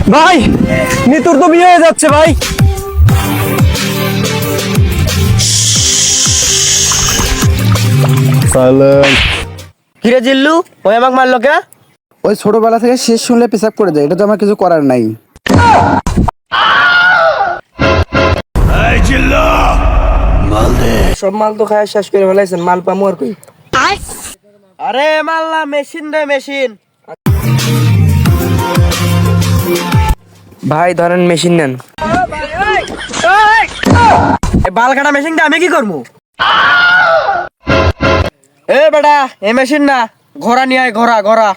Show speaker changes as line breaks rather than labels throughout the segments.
ভাই নিতুর তো বিয়ে হয়ে যাচ্ছে ভাই।
কিরে জিল্লু, ওই আমাকে মারলো কে?
ওই ছোটবেলা থেকে শেষ শুনলে পেশাব করে যায়, এটা তো আমার কিছু করার নাই।
সব মাল তো খায় শেষ করে ফেলাইছেন, মাল পামু আর কই? আরে মাল না, মেশিন রে মেশিন। ভাই ধরেন মেশিন নেন। বাল কাটা মেশিনটা আমি কি করবো? এ বেটা, এ মেশিন না, ঘোড়া নিয়ে আয়, ঘোড়া ঘোড়া।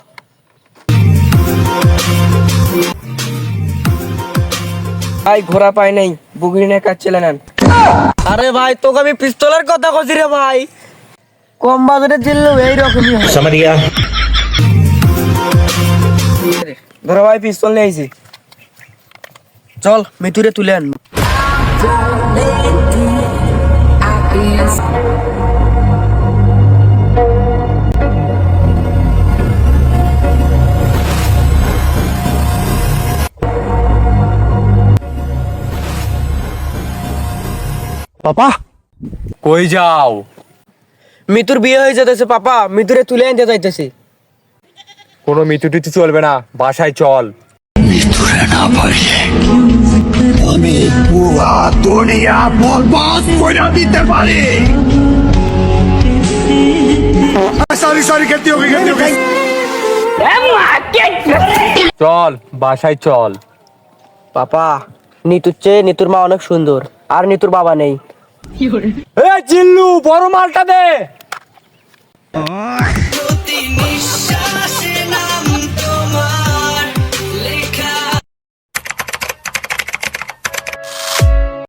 ভাই ঘোড়া পাই নাই, বুগড়ি নিয়ে কাজ চলে নেন। আরে ভাই তোকে আমি পিস্তলের কথা কইছি রে ভাই, কম বাজারে জিল্লু এইরকমই হয়।
समझिया
ধরো ভাই পিস্তল নিয়ে আইছি, চল মিতুরে তুলে আন।
পাপা কই যাও?
মিতুর বিয়ে হয়ে যেতেছে পাপা, মিতুরে তুলে আনতে যাইতেছি।
কোনো মিতুটিতে চলবে না, বাসায় চল।
আমি পুরা দুনিয়া বরবাদ করে দিতে পারি। সরি খেতে হবে।
চল বাসায় চল।
পাপা নিতুর চেয়ে নিতুর মা অনেক সুন্দর, আর নিতুর বাবা নেই।
এ জিল্লু বড় মালটা দে।